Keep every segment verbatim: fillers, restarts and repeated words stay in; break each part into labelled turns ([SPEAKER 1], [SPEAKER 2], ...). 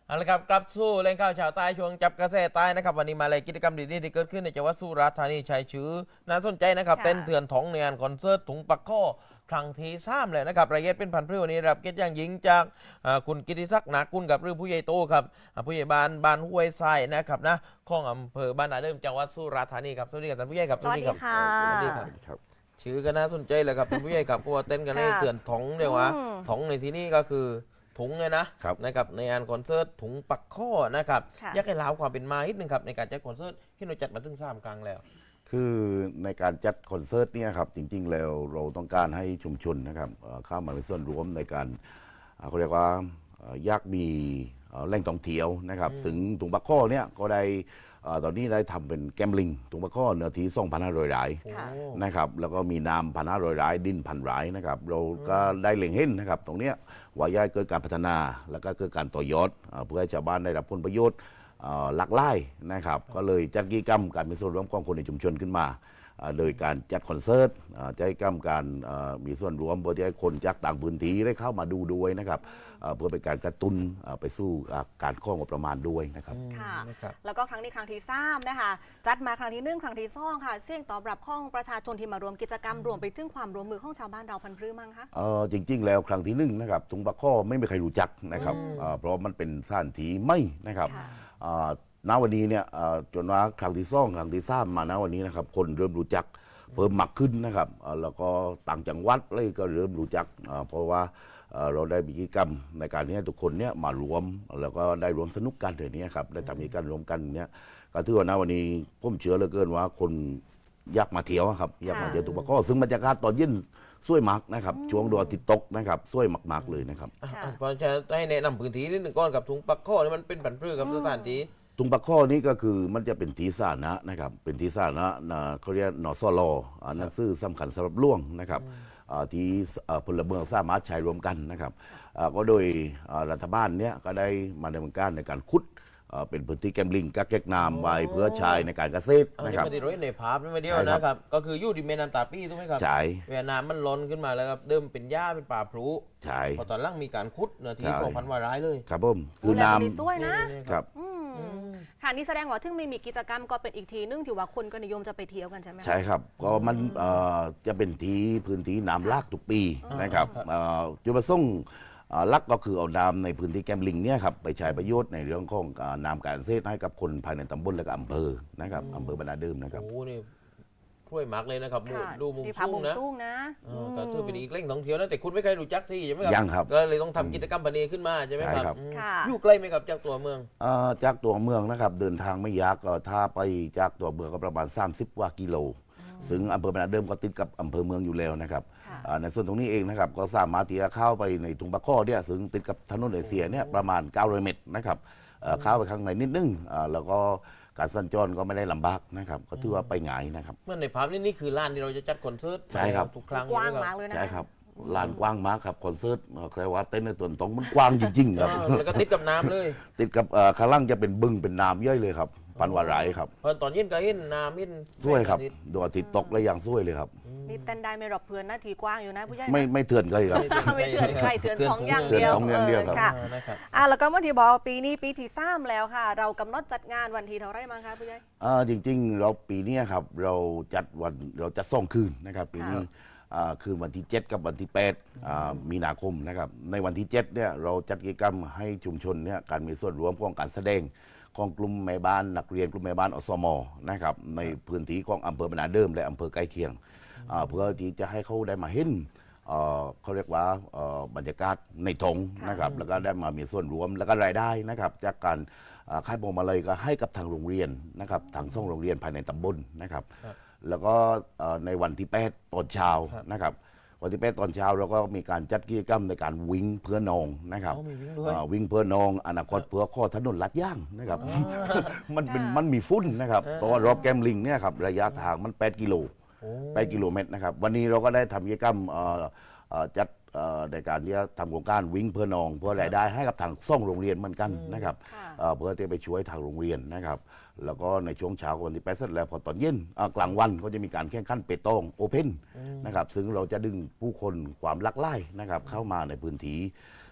[SPEAKER 1] เอาละครับกลับสู้เล่นข่าวชาวใต้ช่วงจับกระแสใต้นะครับวันนี้มาเลยกิจกรรมดีๆที่เกิดขึ้นในจังหวัดสุราษฎร์ธานีชัยชื่อน่าสนใจนะครับ
[SPEAKER 2] ค่ะ
[SPEAKER 1] เต้นเถื่อนท้องในงานคอนเสิร์ตถุงปักข้อครั้งที่สามเลยนะครับรายละเอียดเป็นพันพริ้ววันนี้รับเกียรติอย่างยิ่งจากอ่าคุณกิติศักดิ์นากุลกับหรือผู้ใหญ่โตครับอ่าผู้ใหญ่บ้านบ้านห้วยทรายนะครับนะของอำเภอบ้านนาเดิมจังหวัดสุราษฎร์ธานีครับสวัสดีครับท่านผู้ใหญ่ครับ
[SPEAKER 2] สวัสดี
[SPEAKER 1] ครั
[SPEAKER 2] ค่ะ
[SPEAKER 1] สวัสดีครับ
[SPEAKER 3] ครับ
[SPEAKER 1] ชื่อก็น่าสนใจเลยครับท่านผู้ใหญ่ครับเพราะว่าเต้นกันใน
[SPEAKER 2] ค่ะ
[SPEAKER 1] เถื่อนท้องเรียกว่า
[SPEAKER 2] อืม
[SPEAKER 1] ท้องในที่นี้ก็คือถุงเลยนะครับ นะครับในงานคอนเสิร์ตถุงปักข้อนะครับ
[SPEAKER 2] ค่ะ
[SPEAKER 1] อยากให้เล่าความเป็นมานิดนึงครับในการจัดคอนเสิร์ตที่เราจัดมาถึงสามครั้งแล้ว
[SPEAKER 3] คือในการจัดคอนเสิร์ตเนี่ยครับจริงๆแล้วเราต้องการให้ชุมชนนะครับเอ่อเข้ามามีส่วนร่วมในการเอ่อเขาเรียกว่าเอ่ออยากมีเอ่อแหล่งท่องเที่ยวนะครับถึงตุงปะข้อเนี่ยก็ได้เอ่อตอนนี้ได้ทำเป็นแกมลิงตุงปะข้อเนื้อที่สองพันห้าร้อยไร่
[SPEAKER 2] ค่ะ
[SPEAKER 3] นะครับแล้วก็มีน้ำพันห้าร้อยไร่ดินพันไร่นะครับเราก็ได้เล็งเห็นนะครับตรงเนี้ยว่าอยากให้เกิดการพัฒนาแล้วก็เกิดการต่อยอดเอ่อเพื่อให้ชาวบ้านได้รับผลประโยชน์ เอ่อหลากหลายนะครับก็เลยจัดกิจกรรมการมีส่วนร่วมของคนในชุมชนขึ้นมาเอ่อโดยการจัดคอนเสิร์ตเอ่อจัดกิจกรรมการเอ่อมีส่วนร่วมเพื่อที่ให้คนจากต่างพื้นที่ได้เข้ามาดูด้วยนะครับเอ่อเพื่อเป็นการกระตุ้นเอ่อไปสู่อ่าการข้องบประมาณด้วยนะครับ
[SPEAKER 2] ค่ะ
[SPEAKER 1] นะครับ
[SPEAKER 2] แล้วก็ครั้งนี้ครั้งที่สามนะคะจัดมาครั้งที่หนึ่งครั้งที่สองค่ะเสี่ยงตอบรับของประชาชนที่มารวมกิจกรรมรวมไปถึงความร่วมมือของชาวบ้านเราพันธุ์พรื้มั้งคะ
[SPEAKER 3] เอ่อจริง ๆ แล้วครั้งที่หนึ่งนะครับถุงปลาข้อไม่มีใครรู้จักนะครับเอ่อเพราะมันเป็นสถานที่ไม่นะครับ
[SPEAKER 2] ค่ะ
[SPEAKER 3] เอ่อณวันนี้เนี่ยเอ่อจนว่าครั้งที่สองครั้งที่สามมาณวันนี้นะครับคนเริ่มรู้จักเพิ่มมากขึ้นนะครับเอ่อแล้วก็ต่างจังหวัดเลยก็เริ่มรู้จักเอ่อเพราะว่าเอ่อเราได้มีกิจกรรมในการที่ให้ทุกคนเนี่ยมารวมแล้วก็ได้รวมสนุกกันเดี๋ยวนี้ครับได้ทำกิจกรรมรวมกันเนี่ยก็ถือว่าณวันนี้ผมเชื่อเหลือเกินว่าคนอยากมาเที่ยวครับอยากมาเที่ยวตุกปะข้อซึ่งบรรยากาศตอนเย็นสวยมากนะครับช่วงดวงอาทิตย์ตกนะครับสวยมากๆเลยนะครับ
[SPEAKER 1] อ่ะ
[SPEAKER 2] ค่ะ
[SPEAKER 1] อ่ะเพราะจะให้แนะนำพื้นที่นิดหนึ่งก่อนกับถุงปักข้อนี่มันเป็นผันพืชกับสถานที่
[SPEAKER 3] ตุงปะข้อนี้ก็คือมันจะเป็นทีสาธารณะนะครับเป็นทีสาธารณะนะเขาเรียกนสลอ่าหนังสือสำคัญสำหรับล่วงนะครับอ่าที่เอ่อพลเมืองสามารถใช้รวมกันนะครับอ่าก็โดยอ่ารัฐบาลเนี้ยก็ได้มาดำเนินการในการขุดอ่าเป็นพื้นที่แกมลิงกักเก็กน้ำไว้เพื่อใช้ในการเกษตร
[SPEAKER 1] อัน
[SPEAKER 3] นะ
[SPEAKER 1] นี้
[SPEAKER 3] ครับ
[SPEAKER 1] ไม่ได้ร้อยในภาพนี่ไม่เดียว
[SPEAKER 3] ใช่ครับ
[SPEAKER 1] นะครับ ก็คืออยู่ที่แม่น้ำตาปี้ถูกไหมครับ
[SPEAKER 3] ใช่
[SPEAKER 1] เวียดนามมันล้นขึ้นมาแล้วครับ เดิมเป็นหญ้าเป็นป่าพลุ
[SPEAKER 3] ใช่
[SPEAKER 1] พอตอนหล่างมีการขุดเนื้อที่
[SPEAKER 3] ใช่
[SPEAKER 1] สองพันวาร้ายเลย
[SPEAKER 3] ครับผมคือ
[SPEAKER 2] ดูแล
[SPEAKER 3] น้
[SPEAKER 2] ตรงนี้สวยนะ
[SPEAKER 1] นี่
[SPEAKER 3] ำครับ
[SPEAKER 2] อืมค่ะนี่แสดงว่าถึงไม่มีกิจกรรมก็เป็นอีกทีนึงที่ว่าคนก็นิยมจะไปเที่ยวกันใช่ไหมคะ
[SPEAKER 3] ใช่ครับก็มันเอ่อจะเป็นที่พื้นที่น้ำลากทุกปีนะครับเอ่อจุดประสงค์เอ่อหลักก็คือเอาน้ำในพื้นที่แกมลิงเนี่ยครับไปใช้ประโยชน์ในเรื่องของอ่าน้ำการเกษตรให้กับคนภายในตำบลและก็อำเภอนะครับอำเภอบรรนาเดิมนะครับ
[SPEAKER 1] โอ้โหนี่ช่วยมักเลยนะครับมุม
[SPEAKER 2] ค่ะ
[SPEAKER 1] ดูมุม
[SPEAKER 2] นี่ภาพ
[SPEAKER 1] สู
[SPEAKER 2] มุ
[SPEAKER 1] ง
[SPEAKER 2] ม
[SPEAKER 1] นะ
[SPEAKER 2] สูงนะ
[SPEAKER 1] เออก็ถือเป็นอีกแหล่งท่องเที่ยวนะแต่คุณไม่เคยรู้จักที่ใช่ไหมครับ
[SPEAKER 3] ยังครับ
[SPEAKER 1] ก็เลยต้องทำกิจกรรมพันนี้ขึ้นมาใช่ไหมครับ
[SPEAKER 3] ใช่ครับ
[SPEAKER 1] อืม
[SPEAKER 2] ค่ะ
[SPEAKER 1] อยู่ใกล้ไหมครับจากตัวเมือง
[SPEAKER 3] เอ่อจากตัวเมืองนะครับเดินทางไม่ยากก็ถ้าไปจากตัวเมืองก็ประมาณ สามสิบกว่ากิโลซึ่งอำเภอบรรนาเดิมก็ติดกับอำเภอเมืองอยู่แล้วนะครับ
[SPEAKER 2] ค่ะ
[SPEAKER 3] อ่าในส่วนตรงนี้เองนะครับก็สามารถที่จะเข้าไปในถุงปะข้อเนี่ยซึ่งติดกับถนนเอเชียเนี่ยประมาณเก้าร้อยเมตรนะครับเอ่อเข้าไปข้างในนิดนึงอ่าแล้วก็การสัญจรก็ไม่ได้ลำบากนะครับก็ถือว่าไปง่ายนะครับ
[SPEAKER 1] เมื่อในภาพนี่นี่คือร้านที่เราจะจัดคอนเสิร์ต
[SPEAKER 3] ใช่ครับ
[SPEAKER 1] ทุกครั้ง
[SPEAKER 2] กว้าง
[SPEAKER 1] ใช่ไห
[SPEAKER 2] มากเลยนะ
[SPEAKER 3] ใช่ครับลานกว้างมากครับคอนเสิร์ตเอ่อใครว่าเต้นในตัวตรงมันกว้างจริงๆครับ
[SPEAKER 1] อ่าแล้วก็ติดกับน้ำเลย
[SPEAKER 3] ติดกับเอ่อข้างล่างจะเป็นบึงเป็นน้ำย่อยเลยครับปันวาไรครับ
[SPEAKER 1] เพราะตอนเย็นก็เห็นน้ำเห็น
[SPEAKER 3] สวยครับ
[SPEAKER 1] แสงอาทิตย์
[SPEAKER 3] ดวงอาทิตย์ตกและอย่างสวยเลยครับ
[SPEAKER 2] นี่เต้นได้ไม่หรอกเพื่อนนะทีกว้างอยู่นะผู้ใหญ่นะ
[SPEAKER 3] ไม่ไม่เถื่อนเลยครับ
[SPEAKER 2] ไม่เถื่อนใครเถื่อนของอย่าง
[SPEAKER 3] เถื่อน
[SPEAKER 2] เดียว
[SPEAKER 3] ของอย่างเดียวครับ
[SPEAKER 2] ค่ะ
[SPEAKER 1] อ่านะครับ
[SPEAKER 2] อ่ะแล้วก็เมื่อที่บอกว่าปีนี้ปีที่สามแล้วค่ะ เรากำหนดจัดงานวันที่เท่าไรมั้งคะผู้ใหญ่
[SPEAKER 3] อ่าจริงๆ เราปีเนี้ยครับเราจัดวันเราจัดส่องคืนนะครับปีนี้
[SPEAKER 2] ค่ะ
[SPEAKER 3] อ่าคืนวันที่ เจ็ด กับวันที่ แปดอ่ามีนาคมนะครับในวันที่ เจ็ดเนี่ยเราจัดกิจกรรมให้ชุมชนเนี่ยการมีส่วนร่วมของการแสดงของกลุ่มแม่บ้านนักเรียนกลุ่มแม่บ้านอสมนะครับในพื้นที่ของอำเภอบรรนาเดิมและอำเภอใกล้เคียงอ่าเพื่อที่จะให้เขาได้มาเห็นเอ่อเขาเรียกว่าเอ่อบรรยากาศในทงนะครับแล้วก็ได้มามีส่วนร่วมแล้วก็รายได้นะครับจากการอ่าค่ายพวงมาลัยก็ให้กับทางโรงเรียนนะครับทางส่งโรงเรียนภายในตำบลนะครับ
[SPEAKER 1] ครับ
[SPEAKER 3] แล้วก็เอ่อในวันที่แปดตอนเช้า
[SPEAKER 1] ครับ
[SPEAKER 3] นะครับวันที่แปดตอนเช้าเราก็มีการจัดกิจกรรมในการวิ่งเพื่อนองนะครับ
[SPEAKER 1] อ๋อมีวิ่งด้วย
[SPEAKER 3] เอ่อวิ่งเพื่อนองอนาคตเพื่อข้อถนนลัดย่างนะครับ มันเป็นมันมีฝุ่นนะครับเพราะว่ารอบแกมลิงเนี่ยครับระยะทางมัน แปด กิโล
[SPEAKER 1] โอ้
[SPEAKER 3] แปดกิโลเมตรนะครับวันนี้เราก็ได้ทำกิจกรรมเอ่อเอ่อจัดเอ่อในการที่จะทำโครงการวิ่งเพื่อนองเพื่อรายได้ให้กับทางส่งโรงเรียนเหมือนกันนะครับ
[SPEAKER 2] ค่ะ
[SPEAKER 3] เอ่อเพื่อที่ไปช่วยทางโรงเรียนนะครับ แล้วก็ในช่วงเช้าของวันที่แปดเสร็จแล้วพอตอนเย็นเอ่อกลางวันก็จะมีการแข่งขันเปตองโอเพนนะครับซึ่งเราจะดึงผู้คนความหลากหลายนะครับเข้ามาในพื้นที่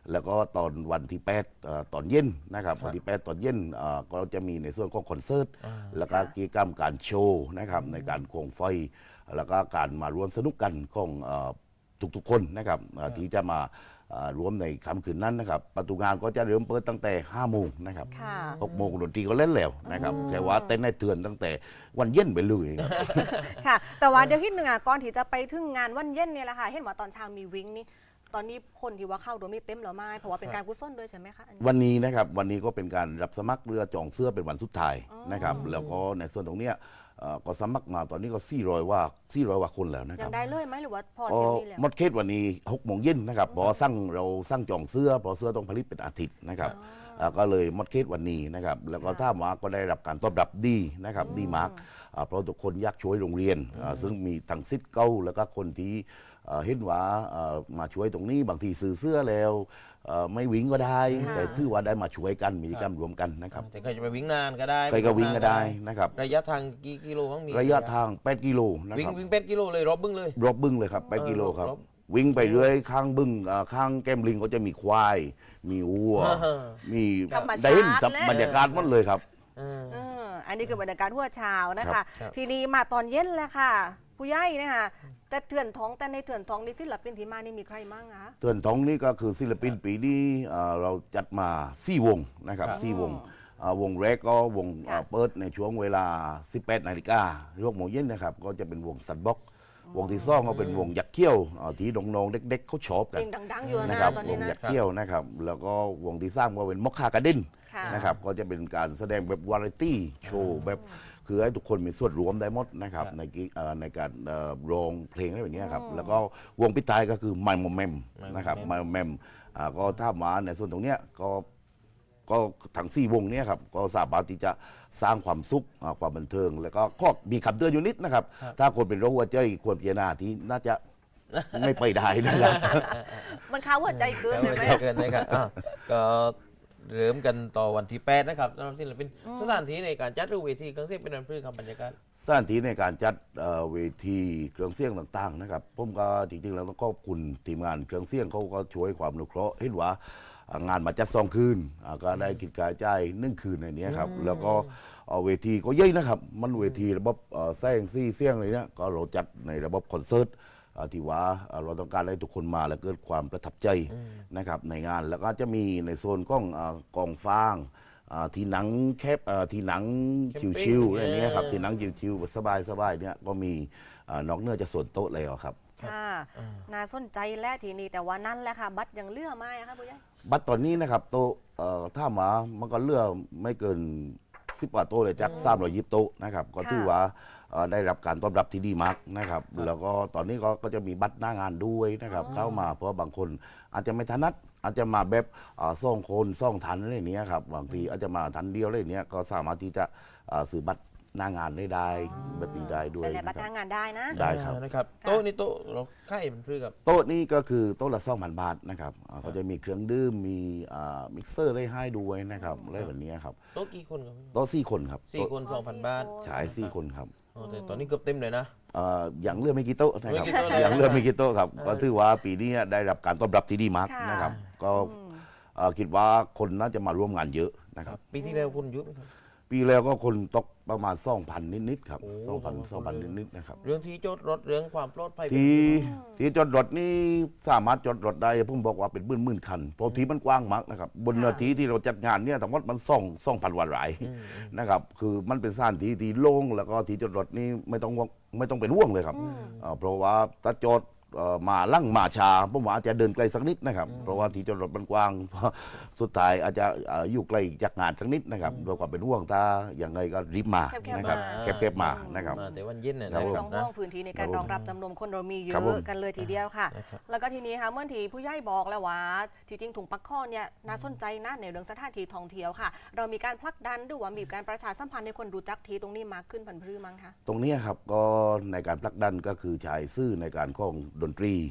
[SPEAKER 3] แล้วก็ตอนวันที่แปดเอ่อตอนเย็นนะครับวันที่แปดตอนเย็นเอ่อก็จะมีในส่วนของคอนเสิร์ต
[SPEAKER 1] อ่า
[SPEAKER 3] แล้วก็กิจกรรมการโชว์นะครับในการโคมไฟ แล้วก็การมาร่วมสนุกกันของเอ่อทุกๆคนนะครับเอ่อที่จะมาเอ่อร่วมในค่ำคืนนั้นนะครับประตูงานก็จะเริ่มเปิดตั้งแต่ห้าโมงนะครับ
[SPEAKER 2] ค่ะ
[SPEAKER 3] หกโมงดนตรีก็เล่นแล้วนะครับแต่ว่าเต้นในเตือนตั้งแต่วันเย็นไปเลยครับ
[SPEAKER 2] ค่ะ แต่ว่าเดี๋ยวคิดหนึ่งอ่ะก่อนที่จะไปถึงงานวันเย็นเนี่ยแหละค่ะ เห็นว่าตอนเช้ามีวิ่งนี่ ตอนนี้คนที่ว่าเข้าโดยไม่เต็มหรือไม่ เพราะว่าเป็นการกุศลด้วยใช่ไหมคะอันนี้
[SPEAKER 3] วันนี้นะครับวันนี้ก็เป็นการรับสมัครเรือจองเสื้อเป็นวันสุดท้าย
[SPEAKER 2] อ๋อ
[SPEAKER 3] นะครับแล้วก็ในส่วนตรงเนี้ยเอ่อก็สมัครมาตอนนี้ก็สี่ร้อยว่าสี่ร้อยว่าคนแล้วนะค
[SPEAKER 2] ยั
[SPEAKER 3] รับ
[SPEAKER 2] งได้เลยไหมหรือว่าพอ
[SPEAKER 3] ก็
[SPEAKER 2] เที่ยวนี้แล้ว
[SPEAKER 3] หมดเขตวันนี้หกโมงเย็นนะครับเพอสั่งเราสั่งจองเสื้อเพอเสื้อต้องผลิตเป็นอาทิตย์นะครับ
[SPEAKER 2] อ๋อ
[SPEAKER 3] เอ่อก็เลยหมดเขตวันนี้นะครับแล้วก็
[SPEAKER 2] ค่ะ
[SPEAKER 3] ถ้ามาก็ได้รับการตอบรับดีนะครับ
[SPEAKER 2] อืม
[SPEAKER 3] ดีมากอ่าเพราะทุกคนอยากช่วยโรงเรียนอ่าซึ่งมีทั้งซิทเก้าแล้วก็คนที่เอ่อเห็นว่าเอ่อมาช่วยตรงนี้บางทีซื้อเสื้อแล้วเอ่อไม่วิ่งก็ได้
[SPEAKER 2] ค่ะ
[SPEAKER 3] แต่ถือว่าได้มาช่วยกันมีกิจกรรมรวมกันนะครับ
[SPEAKER 1] แต่ใครจะไปวิ่งนานก็ได้
[SPEAKER 3] ใครก็วิ่งก็ได้นะครับ
[SPEAKER 1] ระยะทางกี่กิโลบ้างมี
[SPEAKER 3] ระยะทางแปดกิโลนะ
[SPEAKER 1] วิ่ง
[SPEAKER 3] ครับ
[SPEAKER 1] วิ่งเป็ดกิโลเลยรอบบึ้งเลย
[SPEAKER 3] รอบบึ้งเลยครับแปด
[SPEAKER 1] เออ
[SPEAKER 3] กิโลครับ
[SPEAKER 1] รอบ
[SPEAKER 3] วิ่งไปเรื่อยข้างบึ้งอ่าข้างแก้มลิงก็จะมีควาย มีวัว มี
[SPEAKER 2] ธรรมชาติ
[SPEAKER 3] ได้เห็น
[SPEAKER 2] เลย
[SPEAKER 3] บรรยากาศหมันเลยครับ
[SPEAKER 1] เออ
[SPEAKER 2] เอออันนี้คือบรรยากาศหัวเช้านะ
[SPEAKER 3] ครั
[SPEAKER 2] คะ
[SPEAKER 3] บ
[SPEAKER 1] ครับ
[SPEAKER 2] ทีนี้มาตอนเย็นแล้วค่ะ ผู้ใหญ่นะคะแต่เถื่อนท้องแต่ในเถื่อนท้องนี่ศิลปินที่มานี่มีใครบ้างคะ
[SPEAKER 3] เตือนท้องนี่ก็คือศิลปินปีนี้อ่าเราจัดมาสี่วงนะครับ
[SPEAKER 1] ครับ
[SPEAKER 3] สี่วงอ่าวงแรกก็วง
[SPEAKER 2] ค่ะ
[SPEAKER 3] อ่าเปิดในช่วงเวลา สิบแปดนาฬิกาหกโมงเย็นนะครับก็จะเป็นวงสัตบ็อกวงที่สองก็เป็นวงยักษ์เขี้ยวอ่าที่น้องๆเด็กๆเขาชอบกัน
[SPEAKER 2] เพลงดังๆอยู่
[SPEAKER 3] นะ
[SPEAKER 2] นะครับ ตอน
[SPEAKER 3] ว
[SPEAKER 2] นี้
[SPEAKER 3] ง
[SPEAKER 2] นะ
[SPEAKER 3] ยักษ์เขี้ยวนะครับแล้วก็วงที่สร้างก็เป็นมอคคากระดิน
[SPEAKER 2] ค่ะ
[SPEAKER 3] นะครับก็จะเป็นการแสดงแบบวาไรตี้โชว์แบบคือให้ทุกคนมีส่วนร่วมได้หมดนะครับ
[SPEAKER 1] ครับ
[SPEAKER 3] ในกิเอ่อในการเอ่อร้องเพลงอะไรแบบนี้ครับแล้วก็วงปิดท้ายก็คือไมโมแมม
[SPEAKER 1] My
[SPEAKER 3] นะครับ
[SPEAKER 1] Mom
[SPEAKER 3] ไมโมแมมก็ถ้ามาในส่วนตรงเนี้ยก็ก็ทั้งสี่วงเนี้ยครับก็สามารถที่จะสร้างความสุขอ่าความบันเทิง แล้วก็ข้อมีคำเตือนอยู่นิดนะครับ
[SPEAKER 1] ครับ
[SPEAKER 3] ถ้าคนเป็นโรคหัวใจควรพิจารณาที่น่าจะไม่ไปได้นะครับ
[SPEAKER 2] มันค้าหัวใจเกิน
[SPEAKER 1] ก็
[SPEAKER 2] เลยไหม
[SPEAKER 1] ไม่เกินนะครับอ่ะก็เริ่มกันต่อวันที่แปดนะครับสำหรับศิลปินสถานที่ในการจัดหรือเวทีเครื่องเสียงเป็นอันพฤครับบรรยากาศ
[SPEAKER 3] สถานที่ในการจัดเอ่อเวทีเครื่องเสียงต่างๆนะครับผมก็จริงๆแล้วต้องขอบคุณทีมงานเครื่องเสียงเขาก็ช่วยความอนุเคราะห์เห็นว่าอ่างานมาจัดสองคืนอ่าก็ได้กิจกระจายหนึ่งคืนในนี้ครับแล้วก็เอ่อเวทีก็เย่นะครับมันเวทีระบบเอ่อแซงซี่เสียงอะไรเนี่ยก็เราจัดในระบบคอนเสิร์ตอ่าที่ว่าอ่าเราต้องการให้ทุกคนมาแล้วเกิดความประทับใจนะครับในงานแล้วก็จะมีในโซนกล้องอ่ากองฟางอ่าที่หนังแคบอ่าที่หนัง
[SPEAKER 1] แคมปิ้ง
[SPEAKER 3] ชิวๆอะไรเนี้ยครับ
[SPEAKER 1] เออ
[SPEAKER 3] ที่หนังชิวๆสบายๆเนี่ยก็มีอ่านอกเหนื้อจะส่วนโต๊ะแล้วครับ
[SPEAKER 2] ค่ะน่าสนใจและทีนี้แต่ว่านั่นแหละค่ะ บัตรยังเหลือไหมอะคะผู้ใหญ่
[SPEAKER 3] บัตรตอนนี้นะครับโต๊ะเอ่อถ้ามามันก็เหลือไม่เกินสิบกว่าโต๊ะเลยจากสามร้อยยิบโต๊ะนะครับก็
[SPEAKER 2] ค่ะ
[SPEAKER 3] ถือว่าเอ่อได้รับการต้อนรับที่ดีมากนะครับแล้วก็ตอนนี้ก็ก็จะมีบัตรหน้างานด้วยนะครับเข้ามาเพราะบางคนอาจจะไม่ถนัดอาจจะมาแบบเอ่อซ่องคนซ่องทันอะไรอย่างเนี้ยครับบางทีอาจจะมาทันเดียวอะไรอย่างเนี้ยก็สามารถที่จะเอ่อซื้อบัตรหน้างานได้ได้แบบนี้ได้ด้วย
[SPEAKER 2] เป็นในบั
[SPEAKER 3] นะ
[SPEAKER 2] ตร
[SPEAKER 3] ค
[SPEAKER 2] ทา
[SPEAKER 3] รับ
[SPEAKER 2] งงานได้นะ
[SPEAKER 3] ได้ครับ
[SPEAKER 1] อ่านะครับ
[SPEAKER 2] ค่ะ
[SPEAKER 1] โต๊ะนี่โต๊ะเราค่ายเป็นพฤครับ
[SPEAKER 3] โต๊ะนี้ก็คือโต๊ะละสองพันบาทนะครับอ่าเขาจะมีเครื่องดื่มมีอ่ามิกเซอร์ได้ให้ด้วยนะครับอะไรแบบนี้ครับ
[SPEAKER 1] โต๊ะกี่คนครับ
[SPEAKER 3] โต๊ะสี่คนครับ
[SPEAKER 1] สี่
[SPEAKER 3] โต๊ะ
[SPEAKER 1] คนสองพันบาท
[SPEAKER 3] ฉายสี่คนครับ
[SPEAKER 1] โอ้แต่ตอนนี้เกือบเต็มเลยนะ
[SPEAKER 3] เอ่ออย่างเลือกไม่กี่โต๊ะนะครับ
[SPEAKER 1] ไม่กี่โต๊ะเลย
[SPEAKER 3] อย่างเลือกไม่กี่โต๊ะครับก็ถือว่าปีนี้ได้รับการต้อนรับที่ดีมาก
[SPEAKER 2] ค่ะ
[SPEAKER 3] นะครับ ก็เอ่อคิดว่าคนน่าจะมาร่วมงานเยอะนะครับ
[SPEAKER 1] ปีที่แล้วคนเยอะไหมครับ
[SPEAKER 3] ปีแล้วก็คนตกประมาณสองพันนิดๆครับ
[SPEAKER 1] โอ้
[SPEAKER 3] สองพัน
[SPEAKER 1] ประมาณ
[SPEAKER 3] สองพัน
[SPEAKER 1] คนเลย
[SPEAKER 3] นิดๆนะครับ
[SPEAKER 1] เรื่องที่จอดรถเรื่องความปลอดภัย
[SPEAKER 3] ที่ที่จอดรถนี่สามารถจอดรถได้ผมบอกว่าเป็นหมื่นหมื่นคันเพราะที่มันกว้างมากนะครับบนเนื้อที่ที่เราจัดงานเนี่ยทั้งหมดมันสองสองพันวันหลายนะครับคือมันเป็นสถานที่ที่โล่งแล้วก็ที่จอดรถนี่ไม่ต้องห่วงไม่ต้องเป็นห่วงเลยครับเอ่อเพราะว่าถ้าจอดเอ่อมาลั่งมาชาผมว่าอาจจะเดินไกลสักนิดนะครับเพราะว่าที่จอดรถมันกว้าง สุดท้ายอาจจะเอ่ออยู่ไกลจากงานสักนิดนะครับโดยความเป็นห่วงถ้าอย่างไรก็รีบมา
[SPEAKER 2] แคบๆ
[SPEAKER 3] นะครับ
[SPEAKER 2] มา
[SPEAKER 3] แคบๆมานะครับ
[SPEAKER 1] มาแต่วันเย็นเนี่ย
[SPEAKER 3] ครั
[SPEAKER 1] นะ
[SPEAKER 3] บ
[SPEAKER 1] ค
[SPEAKER 2] ต้
[SPEAKER 1] รั
[SPEAKER 2] อบ ง
[SPEAKER 1] นะ
[SPEAKER 2] ห้องพื้นที่ในการรองรับจำนวนคนเรามีเย
[SPEAKER 3] ครับผม
[SPEAKER 2] อะกันเลยทีเดียวค่ะ
[SPEAKER 1] นะครับ
[SPEAKER 2] แล้วก็ทีนี้ค่ะเมื่อทีผู้ใหญ่บอกแล้วว่าที่จริงถุงปักข้อเนี่ยน่าสนใจนะในเรื่องสถานที่ท่องเที่ยวค่ะ เรามีการผลักดันหรือว่ามีการประชาสัมพันธ์ให้คนรู้จักทีตรงนี้มากขึ้นพันพรือมั้งคะ
[SPEAKER 3] ตรงเนี้ยครับก็ในการผลักดันก็คือใช้ซื่อในการข้องดนตรี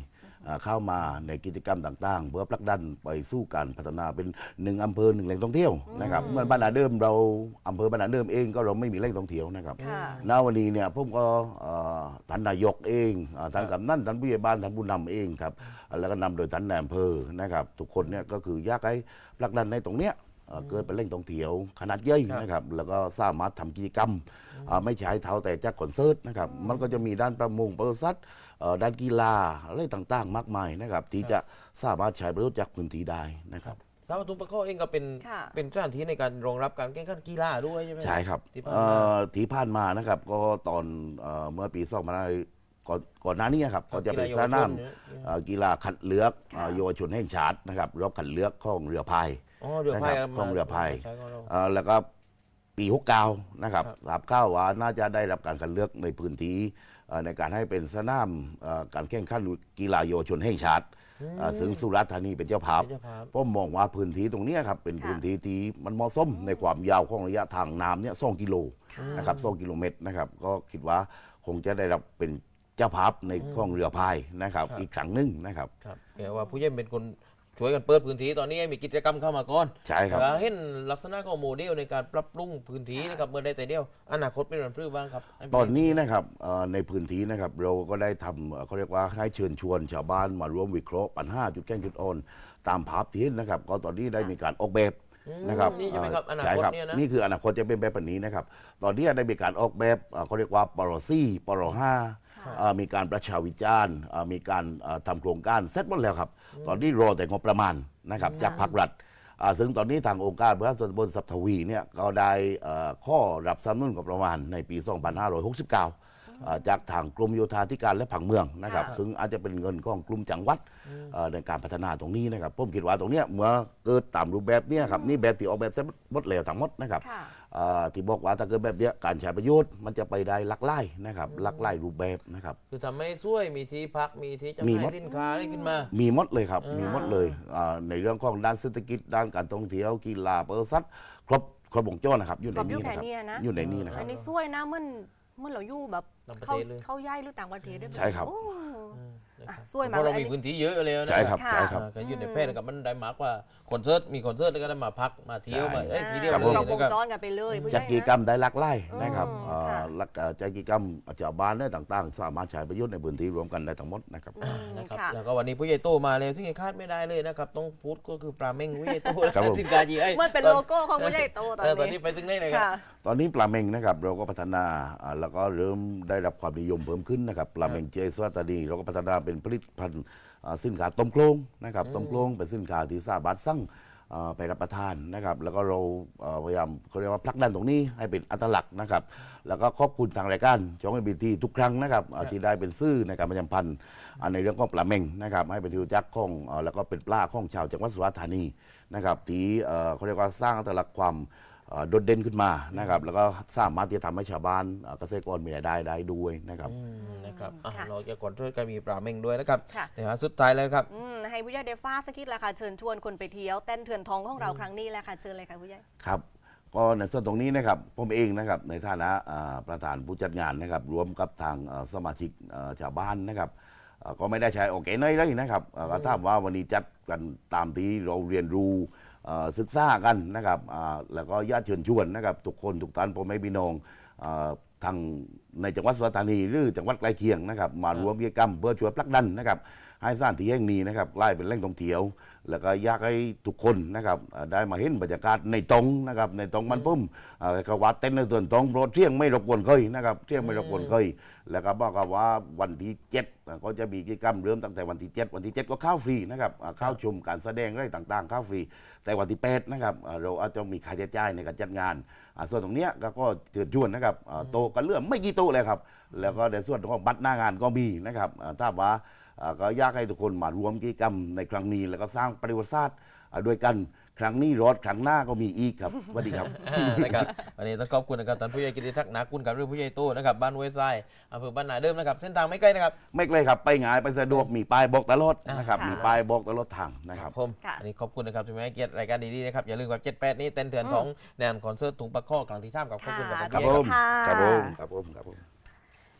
[SPEAKER 3] อ่าเข้ามาในกิจกรรมต่างๆ เพื่อผลักดันไปสู่การพัฒนาเป็นหนึ่งอำเภอหนึ่งแหล่งท่องเที่ยวนะครับเหมือนบ้านนาเดิมเราอำเภอบ้านนาเดิมเองก็เราไม่มีแหล่งท่องเที่ยวนะครับ
[SPEAKER 2] ค่ะ
[SPEAKER 3] ณวันนี้เนี่ยผมก็เอ่อท่านนายกเองเอ่อท่านกำนันท่านผู้ใหญ่บ้านท่านผู้นำเองครับแล้วก็นำโดยท่านนายอำเภอนะครับทุกคนเนี่ยก็คืออยากให้ผลักดันในตรงเนี้ยเอ่อเกิดเป็นแหล่งท่องเที่ยวขนาดใหญ่
[SPEAKER 1] ครับ
[SPEAKER 3] นะครับแล้วก็สามารถทำกิจกรรมอ่าไม่ใช้เท้าแต่จัดคอนเสิร์ตนะครับมันก็จะมีด้านประมงปศุสัตว์เอ่อด้านกีฬาอะไรต่างๆ มากมายนะครับที่จะสามารถใช้ประโยชน์จากพื้นที่ได้นะครับ
[SPEAKER 1] สาวทุงปะข้อเองก็เป็น
[SPEAKER 2] ค่ะ
[SPEAKER 1] เป็นสถานที่ในการรองรับการแข่งขันกีฬาด้วยใช่ไหม
[SPEAKER 3] ใช่ครับ
[SPEAKER 1] ที่ผ่าน
[SPEAKER 3] เอ่
[SPEAKER 1] มา
[SPEAKER 3] อที่ผ่านมานะครับก็ตอนเอ่อเมื่อปีสองพันห้าร้อยก่อนก่อนหน้านี้ครับก็จะเป็นสนามเอ่อกีฬาขัดเลือกเอ่อเยาวชนแห่งชาตินะครับรอบขัดเลือกของเรือพาย
[SPEAKER 1] อ๋อเรือพาย
[SPEAKER 3] นะครับของเรือพาย
[SPEAKER 1] ใช้ของเรา
[SPEAKER 3] เอ่อแล้วก็ปีหกเก้านะครับ
[SPEAKER 1] ครับ
[SPEAKER 3] ทราบข่าวว่าน่าจะได้รับการคัดเลือกในพื้นที่เอ่อในการให้เป็นสนามเอ่อการแข่งขันกีฬาเยาวชนแห่งชาติเอ่อซึ่งสุราษฎร์ธานีเป็นเจ้าภาพ
[SPEAKER 1] เป็นเจ้าภาพ
[SPEAKER 3] ผมมองว่าพื้นที่ตรงเนี้ยครับเป็น
[SPEAKER 2] ค่ะ
[SPEAKER 3] พื้นที่ที่มันเหมาะสมในความยาวของระยะทางน้ำเนี่ยสองกิโลนะครับสองกิโลเมตรนะครับก็คิดว่าคงจะได้รับเป็นเจ้าภาพในของเรือพายนะครับ
[SPEAKER 1] ครับ
[SPEAKER 3] อีกครั้งหนึ่งนะครับ
[SPEAKER 1] ครับแกว่าผู้ใหญ่เป็นคนช่วยกันเปิดพื้นที่ตอนนี้ให้มีกิจกรรมเข้ามาก่อน
[SPEAKER 3] ใช่ครับ
[SPEAKER 1] แล้วเห็นลักษณะของโมเดลในการปรับปรุงพื้นที่นะครับเมื่อได้แต่เดียวอนาคตเป็นแบบรื้อบ้างครับให้
[SPEAKER 3] ตอนนี้นะครับเอ่อในพื้นที่นะครับเราก็ได้ทำเอ่อเขาเรียกว่าให้เชิญชวนชาวบ้านมาร่วมวิเคราะห์ปัญหาจุดแก้งจุดอ่อนตามภาพที่เห็นนะครับก็ตอนนี้ได้มีการออกแบบ
[SPEAKER 1] อืม
[SPEAKER 3] นะครับ
[SPEAKER 1] นี่ใช่ไหมครับอนา
[SPEAKER 3] ใช่
[SPEAKER 1] คต
[SPEAKER 3] ครับ
[SPEAKER 1] เนี่ยนะ
[SPEAKER 3] นี่คืออนาคตจะเป็นแบบนี้นะครับตอนนี้ได้มีการออกแบบเอ่อเขาเรียกว่าปรสี่ปรห้า
[SPEAKER 2] ค่ะ
[SPEAKER 3] เอ่อมีการประชาวิจารณ์เอ่อมีการเอ่อทำโครงการเสร็จหมดแล้วครับ ตอนนี้รอแต่งบประมาณนะครับจากภาครัฐอ่าซึ่งตอนนี้ทางองค์การบริหารส่วนตำบลสัพทวีเนี่ยก็ได้เอ่อข้อรับสนับสนุนงบประมาณในปี สองพันห้าร้อยหกสิบเก้าอ่าจากทางกรมโยธาธิการและผังเมืองนะครับ
[SPEAKER 2] ค่ะ
[SPEAKER 3] ซึ่งอาจจะเป็นเงินของกลุ่มจังหวัดเอ่อในการพัฒนาตรงนี้นะครับผมคิดว่าตรงเนี้ยเมื่อเกิดตามรูปแบบเนี้ยครับนี่แบบที่ออกแบบเสร็จหมดแล้วทั้งหมดนะครับ
[SPEAKER 2] ค่ะ
[SPEAKER 3] เอ่อที่บอกว่าถ้าเกิดแบบเนี้ยการใช้ประโยชน์มันจะไปได้หลักไล่นะครับหลักไล่รูปแบบนะครับ
[SPEAKER 1] คือทำให้ช่วยมีที่พักมีที่จำห
[SPEAKER 3] มี
[SPEAKER 1] น่า
[SPEAKER 3] หม
[SPEAKER 1] ย
[SPEAKER 3] ด
[SPEAKER 1] สินค้าได้ขึ้นมา
[SPEAKER 3] มีหมดเลยครับ
[SPEAKER 1] อ่ามี
[SPEAKER 3] มีหมดเลยอ่าในเรื่องของด้านเศรษฐกิจด้านการท่องเที่ยวกีฬาเปอร์ซัดครบครบวงจรนะครับอยู่ใน
[SPEAKER 2] ครบยุ
[SPEAKER 3] นี้
[SPEAKER 2] คแค่
[SPEAKER 3] นะครับ
[SPEAKER 2] เนี้ยนะ
[SPEAKER 3] อยู่ในนี้นะครั
[SPEAKER 2] อั
[SPEAKER 3] บ
[SPEAKER 2] นนี้สวยนะมันมันเราอยู่แบบ
[SPEAKER 1] ต่างประ
[SPEAKER 2] เข้า
[SPEAKER 1] เทศเลย
[SPEAKER 2] เข้าย่ายหรือต่างประเทศด้วย
[SPEAKER 3] ใช่ครับ
[SPEAKER 2] โอ้
[SPEAKER 1] อืมนะครับ
[SPEAKER 2] อ่ะช่วยมา
[SPEAKER 1] เพราะเรา
[SPEAKER 2] เลยอัน
[SPEAKER 1] มี
[SPEAKER 2] นี้
[SPEAKER 1] พื้นที่เยอะเลยนะ
[SPEAKER 3] ใช่ครับ
[SPEAKER 2] ค่ะ
[SPEAKER 3] ใช่ครับ
[SPEAKER 1] อ่าก็อยู่ในแพร่กับมันได้มากกว่าคอนเสิร์ตมีคอนเสิร์ตแล้วก็ได้มาพักมาเที่ยว
[SPEAKER 3] ใช่
[SPEAKER 1] มาเอ้ยทีเดียว
[SPEAKER 3] ครับ
[SPEAKER 1] เล
[SPEAKER 3] ผม
[SPEAKER 1] ย
[SPEAKER 2] ครบว
[SPEAKER 1] นะ
[SPEAKER 2] ง
[SPEAKER 1] ครับ
[SPEAKER 2] จรกันไปเลยผู้ให
[SPEAKER 3] จั
[SPEAKER 2] ญ่
[SPEAKER 3] ด
[SPEAKER 2] นะ
[SPEAKER 3] กิจกรรมได้หลักไล่นะครับ
[SPEAKER 2] อืม
[SPEAKER 3] อ่า
[SPEAKER 2] ค่ะ
[SPEAKER 3] หลักเอ่อจัดกิจกรรมชาวบ้านเนี่ยต่างๆ สามารถใช้ประโยชน์ในพื้นที่รวมกันได้ทั้งหมดนะครับ
[SPEAKER 2] อืม
[SPEAKER 1] นะครับ
[SPEAKER 2] ค่ะ
[SPEAKER 1] แล้วก็วันนี้ผู้ใหญ่โตมาเลยซึ่งคาดไม่ได้เลยนะครับต้องพูดก็คือปลาเม้งผู้ใหญ่โต
[SPEAKER 3] ครับผม
[SPEAKER 1] ถึงกาจีไอ้
[SPEAKER 2] มันเป็น
[SPEAKER 1] ตอ
[SPEAKER 2] โลโก้ของผู้ใหญ่โตตอน
[SPEAKER 1] เออตอนนี้
[SPEAKER 2] นี้
[SPEAKER 1] ไปถึงไหนเลยครับ
[SPEAKER 2] ค่ะ
[SPEAKER 3] ตอนนี้ปลาเมงนะครับเราก็พัฒนาอ่าแล้วก็เริ่มได้รับความนิยมเพิ่มขึ้นนะครับปลาเมงเจสวัตดีเราก็พัฒนาเป็นผลิตภัณฑ์อ่าสินค้าต้มโครงนะครับต้มโครงเป็นสินค้าที่สามารถสั่งอ่าไปรับประทานนะครับแล้วก็เราเอ่อพยายามเขาเรียกว่าผลักดันตรงนี้ให้เป็นอัตลักษณ์นะครับแล้วก็ขอบคุณทางรายการช่องเอ็นบีทีทุกครั้งนะครับอ่าที่ได้เป็นซื่อในการประชาสัมพันธ์อ่าในเรื่องของปลาเมงนะครับให้เป็นที่รู้จักของอ่าแล้วก็เป็นปลาของชาวจังหวัดสุราษฎร์ธานีนะครับที่เอ่อเขาเรียกว่าสร้างอัตลักษณ์ความเอ่อโดดเด่นขึ้นมานะครับแล้วก็สามารถที่จะทำให้ชาวบ้านเอ่อเกษตรกรมีรายได้ได้ด้วยนะครับ
[SPEAKER 1] อืมนะครับอ่ะ
[SPEAKER 2] ค่ะ
[SPEAKER 1] เราจะก่อนช่วยกันมีปลาเม้งด้วยนะครับ
[SPEAKER 2] ค่ะ
[SPEAKER 1] เดี๋ยวหาสุดท้ายแล้วครับ
[SPEAKER 2] อืมให้ผู้ใหญ่ได้ฟ้าสักนิดละค่ะเชิญชวนคนไปเที่ยวเต้นเถื่อนทองของเราครั้งนี้แหละค่ะเชิญเลยค่ะผู้ใหญ่
[SPEAKER 3] ครับก็ในส่วนตรงนี้นะครับผมเองนะครับในฐานะอ่าประธานผู้จัดงานนะครับรวมกับทางอ่าสมาชิกอ่าชาวบ้านนะครับอ่าก็ไม่ได้ใช้โอเคเนยเลยนะครับอ่าก็ถามว่าวันนี้จัดกันตามที่เราเรียนรู้อ่าศึกษากันนะครับอ่าแล้วก็ญาติเชิญชวนนะครับทุกคนทุกท่านพ่อแม่พี่น้องอ่าทางในจังหวัดสุราษฎร์ธานีหรือจังหวัดใกล้เคียงนะครับมารวมกิจกรรมเพื่อช่วยผลักดันนะครับให้สถานที่แห่งนี้นะครับกลายเป็นแหล่งท่องเที่ยว แล้วก็อยากให้ทุกคนนะครับเอ่อได้มาเห็นบรรยากาศในตรงนะครับในตรงมันปุ่มเอ่อก็วัดเต้นในส่วนตรงโปรดเที่ยงไม่รบกวนเคยนะครับเที่ยงไม่รบกวนเคยแล้วก็บอกกับว่าวันที่เจ็ดอ่ะก็จะมีกิจกรรมเริ่มตั้งแต่วันที่เจ็ดวันที่เจ็ดก็เข้าฟรีนะครับอ่าเข้าชมการแสดงอะไรต่างๆเข้าฟรี แต่วันที่แปดนะครับอ่าเราอาจจะมีค่าใช้จ่ายในการจัดงานอ่าส่วนตรงเนี้ยก็ก็เชิญชวนนะครับอ่าโต๊ะกันเรื่องไม่กี่โต๊ะเลยครับแล้วก็ในส่วนของบัตรหน้างานก็มีนะครับอ่าถ้าว่า อ่าก็อยากให้ทุกคนมารวมกิจกรรมในครั้งนี้ แล้วก็สร้างประวัติศาสตร์อ่าด้วยกันครั้งนี้รถครั้งหน้าก็มีอีกครับสวัสดีครับ
[SPEAKER 1] นะครับวันนี้ต้องขอบคุณนะครับท่านผู้ใหญ่กิติทักษ์นากุลกับเรื่องผู้ใหญ่โตนะครับบ้านห้วยทรายอำเภอบ้านนาเดิมนะครับเส้นทางไม่ไกลนะครับ
[SPEAKER 3] ไม่ไกลครับไปง่ายไปสะดวกมีป้ายบอกตลอดนะครับ
[SPEAKER 2] ค่ะ
[SPEAKER 3] มีป้ายบอกตลอดทางนะครับ
[SPEAKER 1] ผม
[SPEAKER 2] ค่ะ
[SPEAKER 1] อันนี้ขอบคุณนะครับที่มาให้เกียรติรายการดีๆนะครับอย่าลืมกับเจ็ดแปดนี้เต้นเถื่อน
[SPEAKER 2] อืม
[SPEAKER 1] ของแนนคอนเสิร์ตถุงปลาข้อกลางที่ท่ามกับขอบคุณกับท่าน
[SPEAKER 3] ครับ
[SPEAKER 1] ผู้ใหญ่
[SPEAKER 3] ผม
[SPEAKER 2] ค่ะ
[SPEAKER 3] ครับผมครับผมครับผม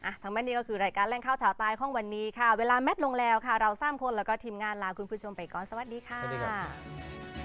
[SPEAKER 2] อ่ะทั้งแม่นี้ก็คือรายการแหล่งข่าวชาวใต้ของวันนี้ค่ะ เวลาแมทลงแล้วค่ะ เราสามคนแล้วก็ทีมงานลาคุณผู้ชมไปก่อนสวัสดีค่ะ
[SPEAKER 1] สวัสดีครับ